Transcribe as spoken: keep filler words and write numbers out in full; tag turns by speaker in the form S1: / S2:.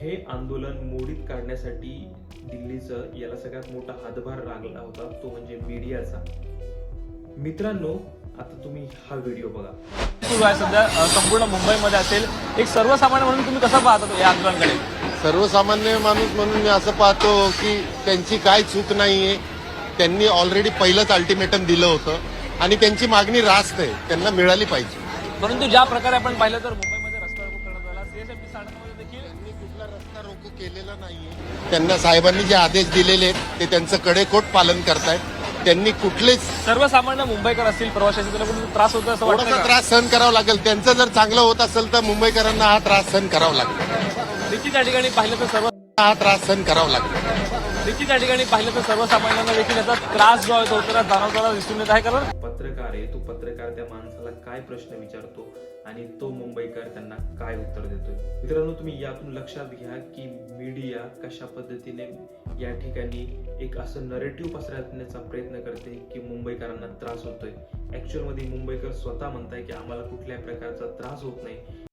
S1: हे आंदोलन मोडीत काढण्यासाठी दिल्लीचं याला सगळ्यात मोठा हातभार लागला होता तो म्हणजे मीडियाचा. मित्रांनो, आता तुम्ही हा व्हिडिओ बघा.
S2: सुरू आहे सध्या अ, संपूर्ण मुंबईमध्ये असेल. एक सर्वसामान्य म्हणून तुम्ही कसं पाहता या आंदोलनाकडे?
S3: सर्वसामान्य माणूस म्हणून मी असं पाहतो की त्यांची काय चूक नाहीये. त्यांनी ऑलरेडी पहिलंच अल्टिमेटम दिलं होतं आणि त्यांची मागणी रास्त आहे, त्यांना मिळाली पाहिजे.
S2: परंतु ज्या प्रकारे आपण पाहिलं तर मुंबईमध्ये रस्ता रोको करण्यात आला, सीएसएमटी साठमध्ये देखील
S3: त्यांनी कुठला रस्ता रोको केलेला नाहीये. त्यांना साहेबांनी जे आदेश दिलेले आहेत ते त्यांचं कडेकोट पालन करतायत. त्यांनी कुठलेच
S2: सर्वसामान्य मुंबईकर असतील, प्रवासी असतील, त्यांना कुठे त्रास होतो असं वाटतं
S3: थोडासा
S2: का?
S3: त्रास सहन करावा लागेल. त्यांचं जर चांगलं होत असेल तर मुंबईकरांना हा त्रास सहन करावा लागेल.
S2: देखील त्या ठिकाणी पाहिलं तर सर्व
S3: हा त्रास सहन करावा लागेल.
S2: देखील त्या ठिकाणी पाहिलं तर सर्वसामान्यांना देखील याचा त्रास जो आहे तो त्याला जाणवताना दिसून येत आहे. कारण
S1: पत्रकार आहे, तो पत्रकार त्या माणसाला काय प्रश्न विचारतो आणि तो मुंबईकर त्यांना काय उत्तर देतोय. मित्रांनो, तुम्ही यातून लक्षात घ्या की मीडिया कशा पद्धतीने या ठिकाणी एक असं नरेटिव्ह पसरवण्याचा प्रयत्न करते की मुंबईकरांना त्रास होतोय. ऍक्च्युअल मध्ये मुंबईकर स्वतः म्हणताय की आम्हाला कुठल्याही प्रकारचा त्रास होत नाही.